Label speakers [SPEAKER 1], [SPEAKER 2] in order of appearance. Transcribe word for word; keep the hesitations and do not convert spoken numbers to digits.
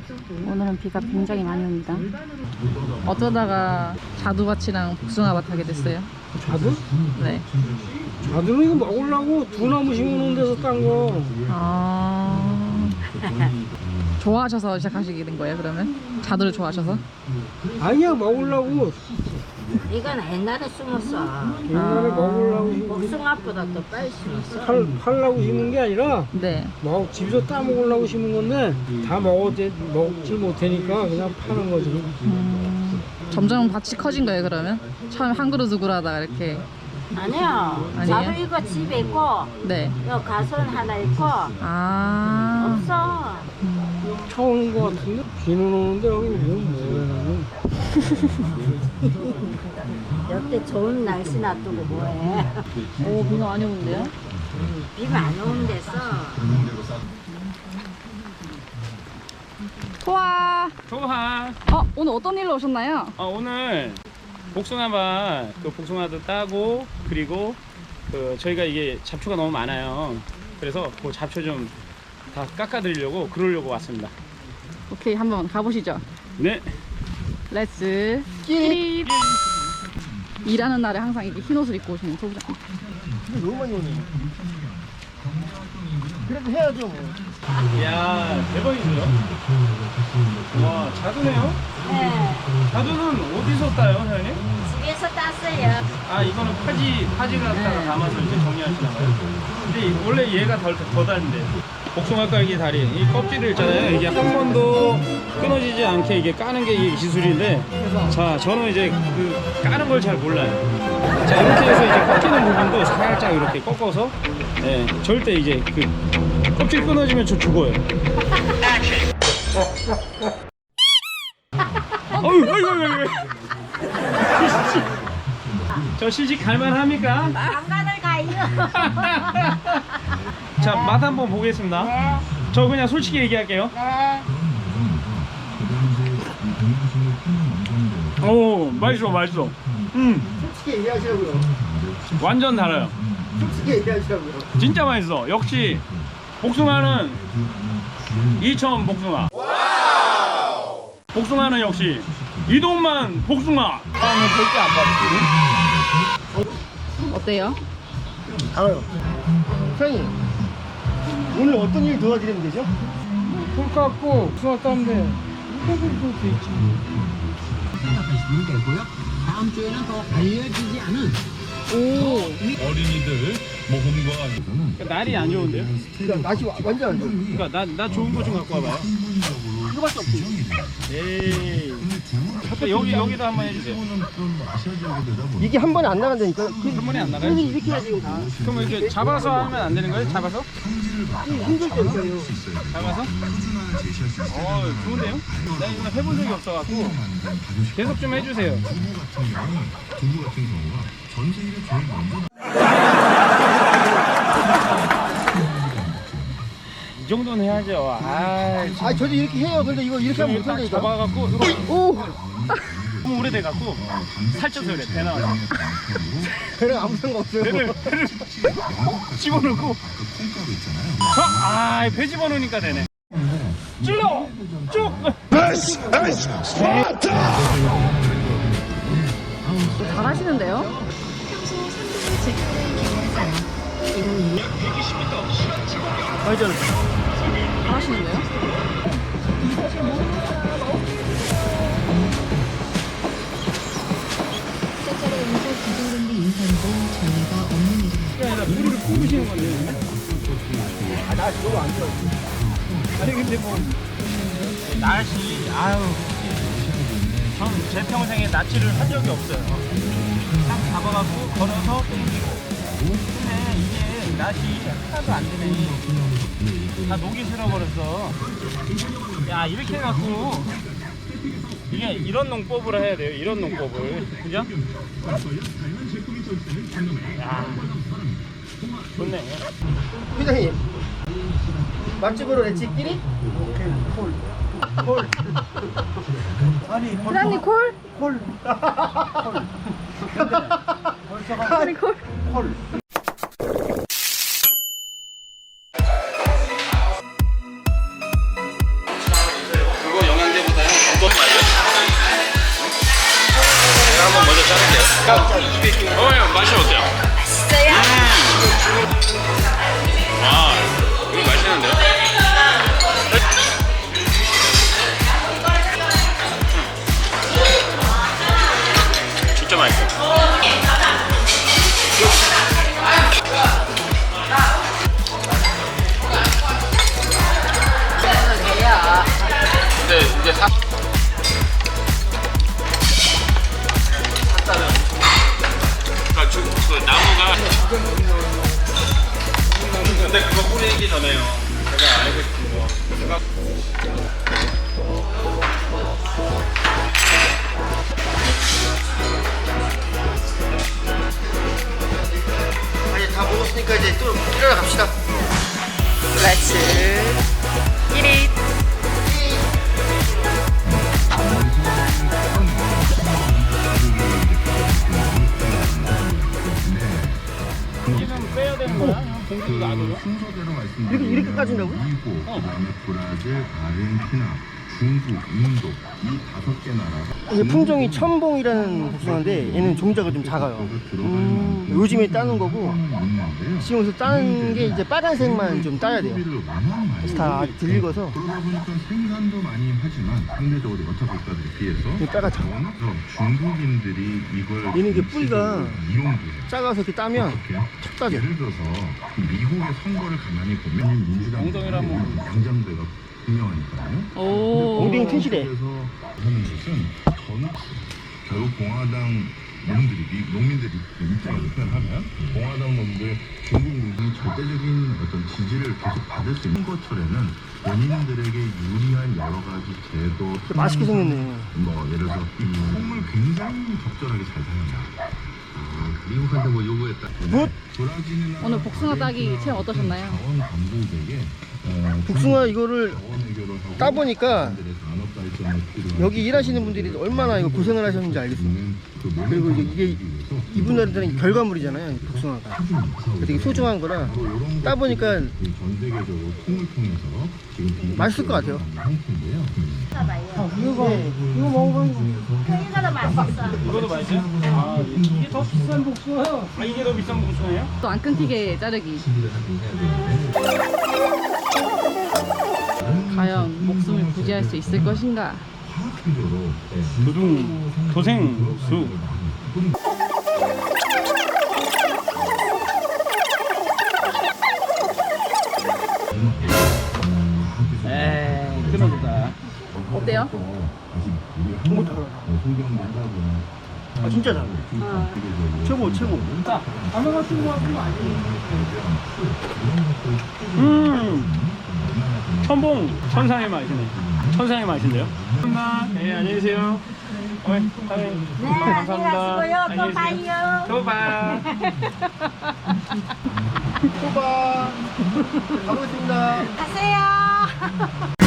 [SPEAKER 1] 오늘은 비가 굉장히 많이 옵니다. 어쩌다가 자두밭이랑 복숭아밭 하게 됐어요?
[SPEAKER 2] 자두?
[SPEAKER 1] 네.
[SPEAKER 2] 자두는 이거 먹으려고 두 나무 심어놓은 데서 딴 거.
[SPEAKER 1] 아... 좋아하셔서 시작하시게 된 거예요, 그러면? 자두를 좋아하셔서?
[SPEAKER 2] 아니야, 먹으려고.
[SPEAKER 3] 이건 옛날에 심었어.
[SPEAKER 2] 옛날에 먹으려고 심은 게
[SPEAKER 3] 복숭아보다 더 빨리 심었어.
[SPEAKER 2] 팔, 팔라고 심은 게 아니라
[SPEAKER 1] 네.
[SPEAKER 2] 먹, 집에서 따먹으려고 심은 건데 다 먹었지, 먹지 못하니까 그냥 파는 거지.
[SPEAKER 1] 음... 점점 밭이 커진 거예요, 그러면? 처음 한 그루 두 그루 하다가 이렇게.
[SPEAKER 3] 아니야.
[SPEAKER 1] 아니에요?
[SPEAKER 3] 자두 이거 집에 있고
[SPEAKER 1] 네.
[SPEAKER 3] 여 가선 하나 있고
[SPEAKER 1] 아...
[SPEAKER 3] 없어.
[SPEAKER 2] 처음 거 같은데? 비는 오는데 여기 뭐 뭐야.
[SPEAKER 3] 여태 좋은 날씨 놔두고 뭐해.
[SPEAKER 1] 오, 비가 많이 오는데요?
[SPEAKER 3] 비가 안 오는 데서
[SPEAKER 1] 토아!
[SPEAKER 4] 좋아.
[SPEAKER 1] 어, 오늘 어떤 일로 오셨나요?
[SPEAKER 4] 어, 오늘 복숭아밭 그 복숭아도 따고 그리고 그 저희가 이게 잡초가 너무 많아요. 그래서 그 잡초 좀 다 깎아드리려고 그러려고 왔습니다.
[SPEAKER 1] 오케이, 한번 가보시죠.
[SPEAKER 4] 네.
[SPEAKER 1] 렛츠 끼리. 일하는 날에 항상 이렇게 흰 옷을 입고 오시는 소부장.
[SPEAKER 2] 너무 많이 오네. 그래도 해야죠 뭐.
[SPEAKER 4] 이야 대박이죠. 와 자두네요.
[SPEAKER 3] 네.
[SPEAKER 4] 자두는 어디서 따요, 사장님?
[SPEAKER 3] 집에서 땄어요.
[SPEAKER 4] 아 이거는 파지 파지를 갖다가 담아서 이제 정리하시나 봐요. 근데 이- 원래 얘가 덜, 더 다른데. 복숭아 깔기 다리 이 껍질을 있잖아요. 이게 한 번도 끊어지지 않게 이게 까는 게 이 기술인데, 자 저는 이제 그 까는 걸 잘 몰라요. 자 이렇게 해서 이제 꺾이는 부분도 살짝 이렇게 꺾어서, 예, 절대 이제 그 껍질 끊어지면 저 죽어요. 어휴, 어휴, 어휴, 어휴. 저 시식 갈만합니까?
[SPEAKER 3] 장가를 가요.
[SPEAKER 4] 자, 맛 한번 보겠습니다.
[SPEAKER 3] 네.
[SPEAKER 4] 저 그냥 솔직히 얘기할게요.
[SPEAKER 3] 네.
[SPEAKER 4] 오, 맛있어, 맛있어. 음,
[SPEAKER 2] 솔직히 얘기하시라고요.
[SPEAKER 4] 완전 달아요.
[SPEAKER 2] 솔직히 얘기하시라고요.
[SPEAKER 4] 진짜 맛있어. 역시 복숭아는 이천 복숭아. 복숭아는 역시 이동만 복숭아. 다음은 절대 안 받을게요.
[SPEAKER 1] 어때요?
[SPEAKER 2] 알아요. 사장님, 오늘 어떤 일 도와드리면 되죠? 풀 깎고 수화 따면 돼. 이거도 돼 있지.
[SPEAKER 5] 생각하시면 되고요. 다음 주에는 더 알려지지 않은
[SPEAKER 1] 오,
[SPEAKER 6] 어린이들 모험과
[SPEAKER 4] 그러니까 날이 안 좋은데요?
[SPEAKER 2] 그러니까 날씨 와- 완전 안 좋아.
[SPEAKER 4] 그러니까 나, 나 좋은 거 좀 갖고 와봐요.
[SPEAKER 2] 이거밖에 없지.
[SPEAKER 4] 에이. 그러니까 여기, 여기도 한번 해주세요.
[SPEAKER 2] 이게 한 번에 안 나간다니까.
[SPEAKER 4] 한 번에 안 나가요?
[SPEAKER 2] 그래서 이렇게 해야지. 다.
[SPEAKER 4] 그럼 이렇게 잡아서 하면 안 되는 거예요? 잡아서?
[SPEAKER 2] 힘들 때니까요.
[SPEAKER 4] 잡아서? 어, 좋은데요? 나 이거 해본 적이 없어갖고 계속 좀 해주세요. 이 정도는 해야죠. 아,
[SPEAKER 2] 아, 저도 이렇게 해요. 근데 이거 이렇게 하면
[SPEAKER 4] 딱
[SPEAKER 2] 못한다니까.
[SPEAKER 4] 잡아갖고 이거
[SPEAKER 1] 오,
[SPEAKER 4] 너무 오래돼갖고 살쪄서 그래. 배 나와서.
[SPEAKER 2] 그래 아무 상관 없어요.
[SPEAKER 4] 배를 배를 집어넣고. 자, 아, 배 집어넣으니까 되네. 찔러 쭉.
[SPEAKER 1] 잘하시는데요? 잘하시는데요?
[SPEAKER 4] 그게 아니라 물을 부으시는 건데. 아, 날씨 너무 안 좋아. 아니 근데 뭐 날씨 아유, 전 제 평생에 낯질을 한 적이 없어요. 딱 잡아갖고 걸어서 땡기고. 근데 이게 낯이 하나도 안 되네. 다 녹이 슬어버렸어. 야 이렇게 해갖고 이게 이런 농법을 해야 돼요. 이런 농법을, 그죠? 야 좋네.
[SPEAKER 2] 회장님, 맛집으로 레치끼리? 콜. 콜. 아니,
[SPEAKER 1] 사장님 콜?
[SPEAKER 2] 콜.
[SPEAKER 1] 아니 콜?
[SPEAKER 2] 콜.
[SPEAKER 7] 그거
[SPEAKER 4] 와, 이거 맛있는데요? 진짜 맛있어. 근데 이제 사 그러니까 저, 그 나무가 근데 그거 뿌리기 전에요. 제가 알고 싶은 거. 제가
[SPEAKER 2] 아니 다 먹었으니까 이제 또 일하러 갑시다.
[SPEAKER 1] Let's eat it.
[SPEAKER 4] 이는 빼야 되는 거야? 공기도 놔둬요?
[SPEAKER 5] 순서대로 말씀드리면
[SPEAKER 2] 이렇게 이렇게 까진다고?
[SPEAKER 5] 미국, 그다음에 브라질, 아르헨티나, 중국, 인도 이 다섯 개 나라가
[SPEAKER 2] 이게 품종이 첨봉이라는 복숭아인데 얘는 종자가 좀 작아요. 음, 요즘에 따는 거고 지금서 따는 게 이제 빨간색만 좀 따야 돼요. 그래서 다 들익어서
[SPEAKER 5] 그러다 보니까 생산도 많이 하지만 상대적으로 여타 국가들에 비해서
[SPEAKER 2] 이게 빨갛죠.
[SPEAKER 5] 그래서 중국인들이 이걸
[SPEAKER 2] 얘는 이게 뿌리가
[SPEAKER 5] 이용해요.
[SPEAKER 2] 작아서 이렇게 따면
[SPEAKER 5] 어떻게?
[SPEAKER 2] 척 따져.
[SPEAKER 5] 예를 들어서 미국의 선거를 가만히 보면 민주당
[SPEAKER 4] 엉덩이라면
[SPEAKER 5] 양장대가 분명하니까요.
[SPEAKER 1] 오.
[SPEAKER 2] 엉덩이 튼실해.
[SPEAKER 5] 그래서 하는 것은 전 결국 공화당 놈들이 미- 농민들이 입장을 표현하면 공화당 놈들 중국 민중이 절대적인 어떤 지지를 계속 받을 수 있는 것처럼은 본인들에게 유리한 여러 가지 제도
[SPEAKER 2] 맛있게 생겼네.
[SPEAKER 5] 뭐 예를 들어서 이 콩을 굉장히 적절하게 잘 사용한다. 아, 미국한테 뭐 요구했다.
[SPEAKER 2] 굿!
[SPEAKER 5] 브라질이나
[SPEAKER 1] 오늘 복숭아 따기 체험 어떠셨나요?
[SPEAKER 5] 자원 당국에게 어,
[SPEAKER 2] 복숭아 이거를
[SPEAKER 5] 자원 해결을 하고
[SPEAKER 2] 따보니까
[SPEAKER 5] 사람들의 산업 발전에 필요한
[SPEAKER 2] 여기 일하시는 분들이 얼마나 이거 고생을 하셨는지 알겠어.
[SPEAKER 5] 그 모든
[SPEAKER 2] 그리고 이제
[SPEAKER 5] 방법을
[SPEAKER 2] 이게
[SPEAKER 5] 위해서
[SPEAKER 2] 이분들한테는 결과물이잖아요, 이 복숭아가. 되게 소중한 거라
[SPEAKER 5] 바로 이런
[SPEAKER 2] 따보니까
[SPEAKER 5] 것들이 전 세계적으로 콩을 통해서 지금
[SPEAKER 2] 맛있을 것 같아요.
[SPEAKER 5] 상품인데요.
[SPEAKER 2] 이거 먹어보면
[SPEAKER 4] 이거도 맛있어요? 아, 이게 더 비싼 복숭아요? 아, 이게 더 비싼 복숭아예요?
[SPEAKER 1] 또 안 끊기게 자르기. 과연 목숨을 부지할 수 있을 것인가?
[SPEAKER 4] 두둥, 도생수. 에이, 끊어졌다.
[SPEAKER 1] 어때요?
[SPEAKER 2] 정말 잘하네. 아 진짜 잘해. 최고 최고.
[SPEAKER 4] 음, 천봉, 천상의 맛이네. 천상의 맛인데요? 감사합니다. 네, 안녕히 계세요. 어이, 사장님.
[SPEAKER 3] 네,
[SPEAKER 4] 감사합니다.
[SPEAKER 3] 안녕히 가시고요. 또
[SPEAKER 4] 안녕히 계세요.
[SPEAKER 3] 봐요.
[SPEAKER 4] 또 봐.
[SPEAKER 2] 소바. 가보겠습니다.
[SPEAKER 3] 가세요.